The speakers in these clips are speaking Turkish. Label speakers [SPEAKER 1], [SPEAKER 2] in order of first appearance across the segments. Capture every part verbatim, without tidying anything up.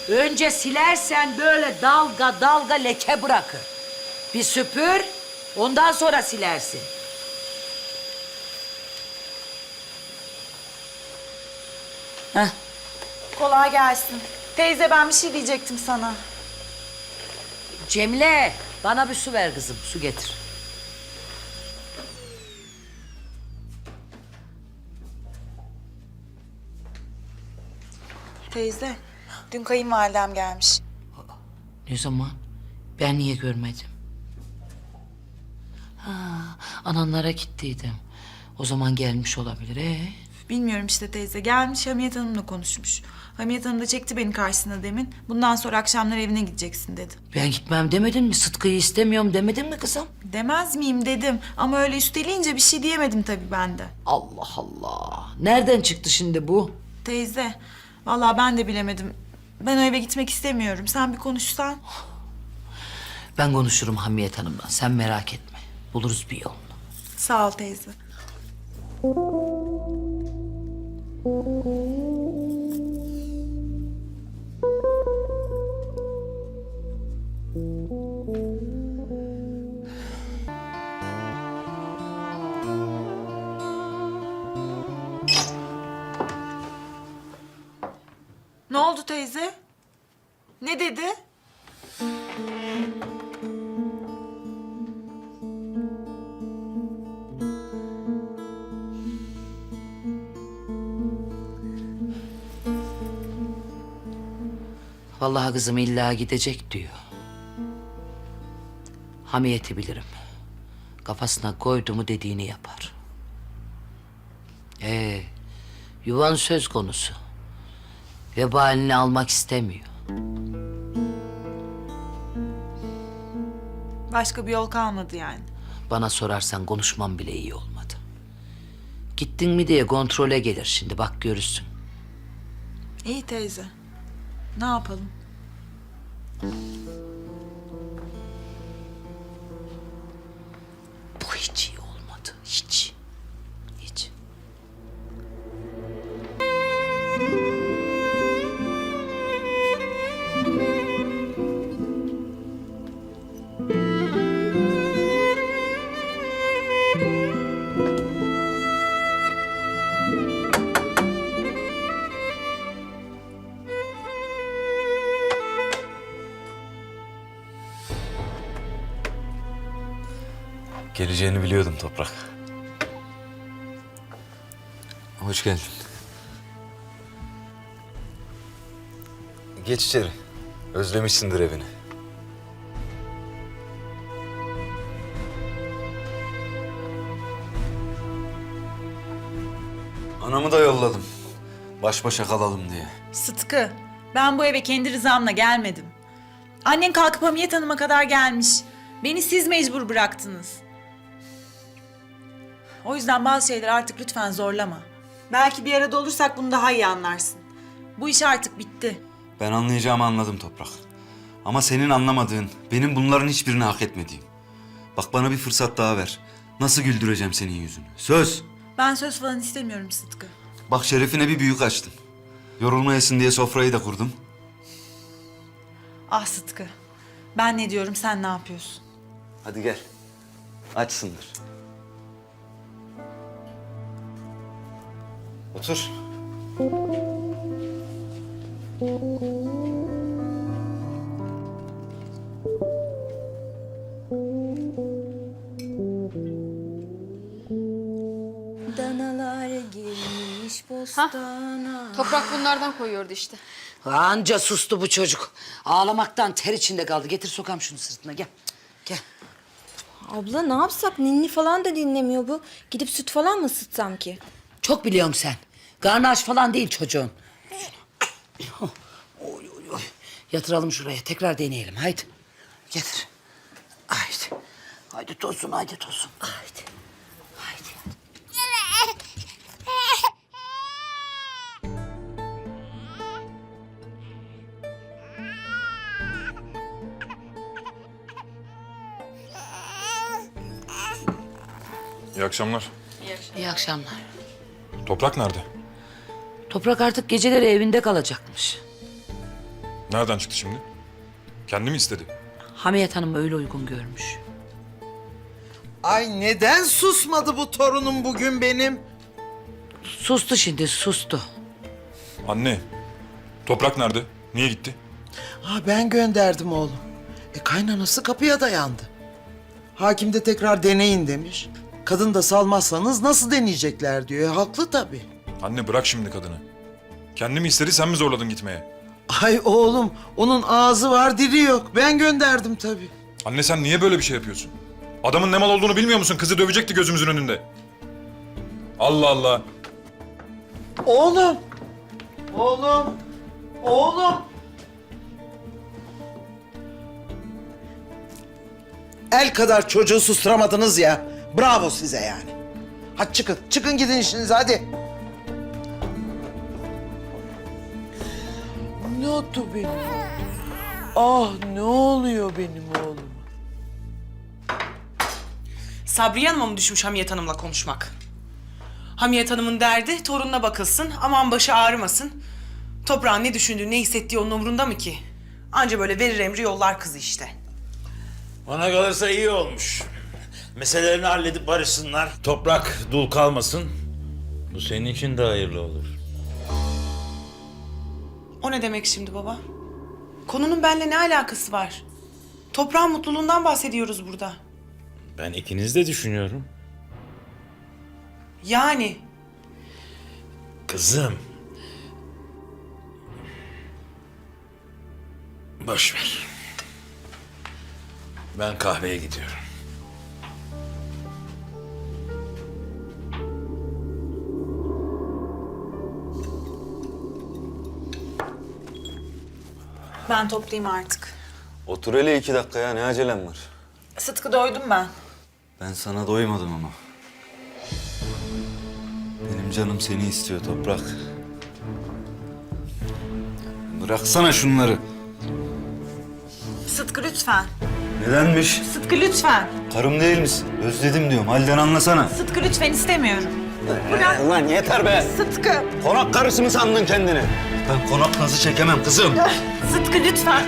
[SPEAKER 1] Önce silersen böyle dalga dalga leke bırakır. Bir süpür, ondan sonra silersin. Heh.
[SPEAKER 2] Kolay gelsin. Teyze ben bir şey diyecektim sana.
[SPEAKER 1] Cemile, bana bir su ver kızım, su getir.
[SPEAKER 2] Teyze, dün kayınvalidem gelmiş.
[SPEAKER 1] Ne zaman? Ben niye görmedim? Ha, ananlara gittiydim. O zaman gelmiş olabilir. Ee?
[SPEAKER 2] Bilmiyorum işte teyze. Gelmiş Hamiyet Hanım'la konuşmuş. Hamiyet Hanım da çekti beni karşısına demin. Bundan sonra akşamlar evine gideceksin dedi.
[SPEAKER 1] Ben gitmem demedin mi? Sıtkı'yı istemiyorum demedin mi kızım?
[SPEAKER 2] Demez miyim dedim. Ama öyle üsteleyince bir şey diyemedim tabii ben de.
[SPEAKER 1] Allah Allah. Nereden çıktı şimdi bu?
[SPEAKER 2] Teyze, vallahi ben de bilemedim. Ben o eve gitmek istemiyorum. Sen bir konuşsan.
[SPEAKER 1] Ben konuşurum Hamiyet Hanım'la. Sen merak etme. Buluruz bir yolunu.
[SPEAKER 2] Sağ ol teyze. Ne oldu teyze? Ne dedi?
[SPEAKER 1] Vallahi kızım illa gidecek diyor. Hamiyeti bilirim. Kafasına koydu mu dediğini yapar. Ee, yuvan söz konusu. Vebalini almak istemiyor.
[SPEAKER 2] Başka bir yol kalmadı yani.
[SPEAKER 1] Bana sorarsan konuşmam bile iyi olmadı. Gittin mi diye kontrole gelir şimdi, bak görürsün.
[SPEAKER 2] İyi teyze. Ne yapalım?
[SPEAKER 1] Bu hiç iyi olmadı, hiç. Hiç.
[SPEAKER 3] Geleceğini biliyordum Toprak. Hoş geldin. Geç içeri. Özlemişsindir evini. Anamı da yolladım. Baş başa kalalım diye.
[SPEAKER 2] Sıtkı, ben bu eve kendi rızamla gelmedim. Annen kalkıp Hamiyet Hanım'a kadar gelmiş. Beni siz mecbur bıraktınız. O yüzden bazı şeyler artık lütfen zorlama. Belki bir arada olursak bunu daha iyi anlarsın. Bu iş artık bitti.
[SPEAKER 3] Ben anlayacağımı anladım Toprak. Ama senin anlamadığın, benim bunların hiçbirini hak etmediğim. Bak bana bir fırsat daha ver. Nasıl güldüreceğim senin yüzünü? Söz.
[SPEAKER 2] Ben söz falan istemiyorum Sıtkı.
[SPEAKER 3] Bak şerefine bir büyük açtım. Yorulmayasın diye sofrayı da kurdum.
[SPEAKER 2] Ah Sıtkı, ben ne diyorum sen ne yapıyorsun?
[SPEAKER 3] Hadi gel. Açsındır. Otur.
[SPEAKER 4] Danalar girmiş bostana.
[SPEAKER 5] Toprak bunlardan koyuyordu işte.
[SPEAKER 1] Anca sustu bu çocuk. Ağlamaktan ter içinde kaldı. Getir sokam şunu sırtına, gel. Gel.
[SPEAKER 4] Abla ne yapsak? Ninni falan da dinlemiyor bu. Gidip süt falan mı ısıtsam ki?
[SPEAKER 1] Çok biliyorum sen. Karnı aç falan değil çocuğun. Oy, oy, oy. Yatıralım şuraya. Tekrar deneyelim. Haydi. Getir. Haydi. Haydi tosun, haydi tosun. Haydi. Haydi.
[SPEAKER 6] İyi akşamlar.
[SPEAKER 1] İyi akşamlar.
[SPEAKER 6] Toprak nerede?
[SPEAKER 1] Toprak artık geceleri evinde kalacakmış.
[SPEAKER 5] Nereden çıktı şimdi? Kendi mi istedi?
[SPEAKER 1] Hamiyet Hanım öyle uygun görmüş.
[SPEAKER 6] Ay neden susmadı bu torunum bugün benim?
[SPEAKER 1] Sustu şimdi, sustu.
[SPEAKER 5] Anne, Toprak nerede? Niye gitti?
[SPEAKER 6] Ha ben gönderdim oğlum. E kaynanası kapıya dayandı. Hakim de tekrar deneyin demiş. Kadın da salmazsanız nasıl deneyecekler diyor. E, haklı tabii.
[SPEAKER 5] Anne bırak şimdi kadını. Kendi mi istedi, sen mi zorladın gitmeye?
[SPEAKER 6] Ay oğlum onun ağzı var dili yok. Ben gönderdim tabii.
[SPEAKER 5] Anne sen niye böyle bir şey yapıyorsun? Adamın ne mal olduğunu bilmiyor musun? Kızı dövecekti gözümüzün önünde. Allah Allah.
[SPEAKER 6] Oğlum. Oğlum. Oğlum. El kadar çocuğu susturamadınız ya. Bravo size yani. Hadi çıkın. Çıkın gidin işinize hadi. Ne oldu benim? Ah ne oluyor benim oğlum?
[SPEAKER 7] Sabriye Hanım'a mı düşmüş Hamiyet Hanım'la konuşmak? Hamiyet Hanım'ın derdi torununa bakılsın, aman başı ağrımasın. Toprağın ne düşündüğü, ne hissettiği onun umurunda mı ki? Anca böyle verir emri yollar kızı işte.
[SPEAKER 8] Bana kalırsa iyi olmuş. Meselelerini halledip barışsınlar. Toprak dul kalmasın. Bu senin için de hayırlı olur.
[SPEAKER 7] O ne demek şimdi baba? Konunun benimle ne alakası var? Toprağın mutluluğundan bahsediyoruz burada.
[SPEAKER 8] Ben ikiniz de düşünüyorum.
[SPEAKER 7] Yani
[SPEAKER 8] Kızım. Boş ver. Ben kahveye gidiyorum.
[SPEAKER 2] Ben toplayayım artık.
[SPEAKER 3] Otur hele iki dakika ya, ne acelem var?
[SPEAKER 2] Sıtkı doydum ben.
[SPEAKER 3] Ben sana doymadım ama. Benim canım seni istiyor Toprak. Bıraksana şunları.
[SPEAKER 2] Sıtkı lütfen.
[SPEAKER 3] Nedenmiş?
[SPEAKER 2] Sıtkı lütfen.
[SPEAKER 3] Karım değil misin? Özledim diyorum. Halden anlasana.
[SPEAKER 2] Sıtkı lütfen istemiyorum.
[SPEAKER 3] Ee, lan yeter be.
[SPEAKER 2] Sıtkı.
[SPEAKER 3] Konak karısı mı sandın kendini? Ben konak nazı çekemem kızım.
[SPEAKER 2] Sıtkı lütfen.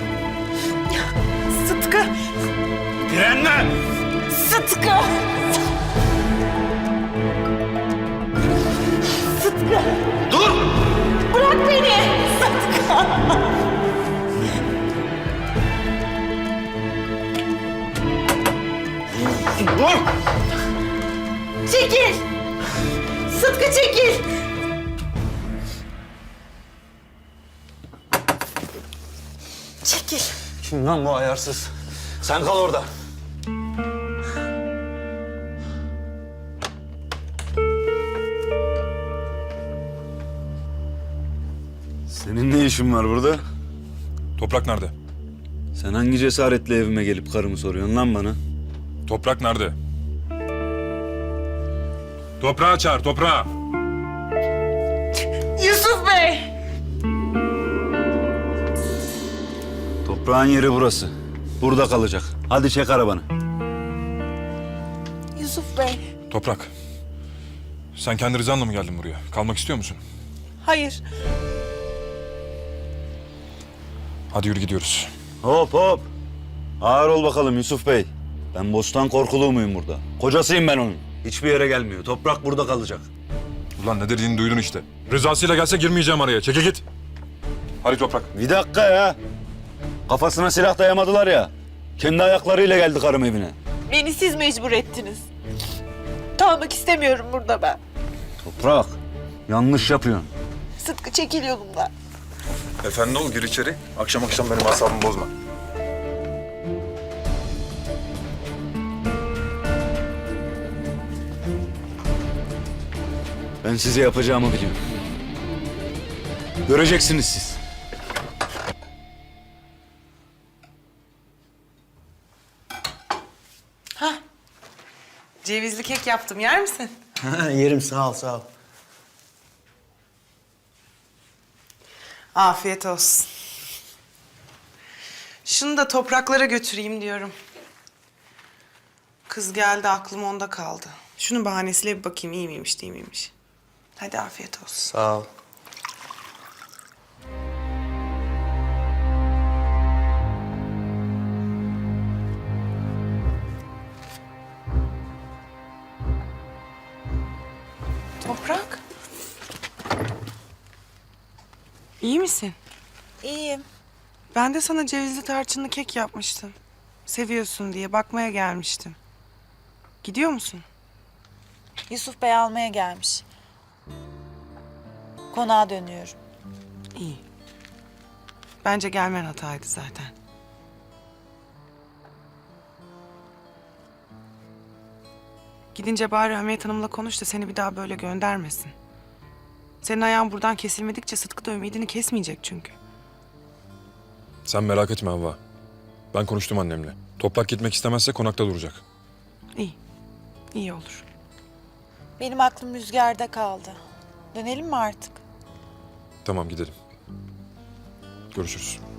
[SPEAKER 2] Sıtkı.
[SPEAKER 3] Direnme!
[SPEAKER 2] Sıtkı. Sıtkı.
[SPEAKER 3] Dur!
[SPEAKER 2] Bırak beni. Sıtkı.
[SPEAKER 3] Dur!
[SPEAKER 2] Çekil. Sıtkı çekil. Çekil.
[SPEAKER 3] Kim lan bu ayarsız? Sen kal orada. Senin ne işin var burada?
[SPEAKER 5] Toprak nerede?
[SPEAKER 3] Sen hangi cesaretle evime gelip karımı soruyorsun lan bana?
[SPEAKER 5] Toprak nerede? Toprağı çağır, toprağı.
[SPEAKER 2] Yusuf Bey.
[SPEAKER 3] Toprağın yeri burası. Burada kalacak. Hadi çek arabanı.
[SPEAKER 2] Yusuf Bey.
[SPEAKER 5] Toprak. Sen kendi rızanla mı geldin buraya? Kalmak istiyor musun?
[SPEAKER 2] Hayır.
[SPEAKER 5] Hadi yürü gidiyoruz.
[SPEAKER 3] Hop hop. Ağır ol bakalım Yusuf Bey. Ben bostan korkuluğu muyum burada? Kocasıyım ben onun. Hiçbir yere gelmiyor. Toprak burada kalacak.
[SPEAKER 5] Ulan ne dediğini duydun işte. Rızasıyla gelse girmeyeceğim araya. Çeke git. Hadi Toprak.
[SPEAKER 3] Bir dakika ya. Kafasına silah dayamadılar ya. Kendi ayaklarıyla geldi karım evine.
[SPEAKER 9] Beni siz mecbur ettiniz. Kalmak istemiyorum burada ben.
[SPEAKER 3] Toprak, yanlış yapıyorsun.
[SPEAKER 9] Sıtkı çekil yolumdan.
[SPEAKER 5] Efendi ol, gir içeri. Akşam akşam benim asabımı bozma.
[SPEAKER 3] Ben size yapacağımı biliyorum. Göreceksiniz siz.
[SPEAKER 7] cevizli kek yaptım, yer misin?
[SPEAKER 6] Yerim sağ ol sağ ol.
[SPEAKER 7] Afiyet olsun. Şunu da topraklara götüreyim diyorum. Kız geldi, aklım onda kaldı. Şunun bahanesiyle bir bakayım iyi miymiş, değil miymiş. Hadi afiyet olsun.
[SPEAKER 6] Sağ ol.
[SPEAKER 7] İyi misin?
[SPEAKER 2] İyiyim.
[SPEAKER 7] Ben de sana cevizli tarçınlı kek yapmıştım. Seviyorsun diye bakmaya gelmiştim. Gidiyor musun?
[SPEAKER 2] Yusuf Bey almaya gelmiş. Konağa dönüyorum.
[SPEAKER 7] İyi. Bence gelmen hataydı zaten. Gidince bari Hamiyet Hanım'la konuş da seni bir daha böyle göndermesin. Senin ayağın buradan kesilmedikçe Sıtkı da ümidini kesmeyecek çünkü.
[SPEAKER 5] Sen merak etme Havva. Ben konuştum annemle. Toprak gitmek istemezse konakta duracak.
[SPEAKER 7] İyi. İyi olur.
[SPEAKER 2] Benim aklım rüzgarda kaldı. Dönelim mi artık?
[SPEAKER 5] Tamam gidelim. Görüşürüz.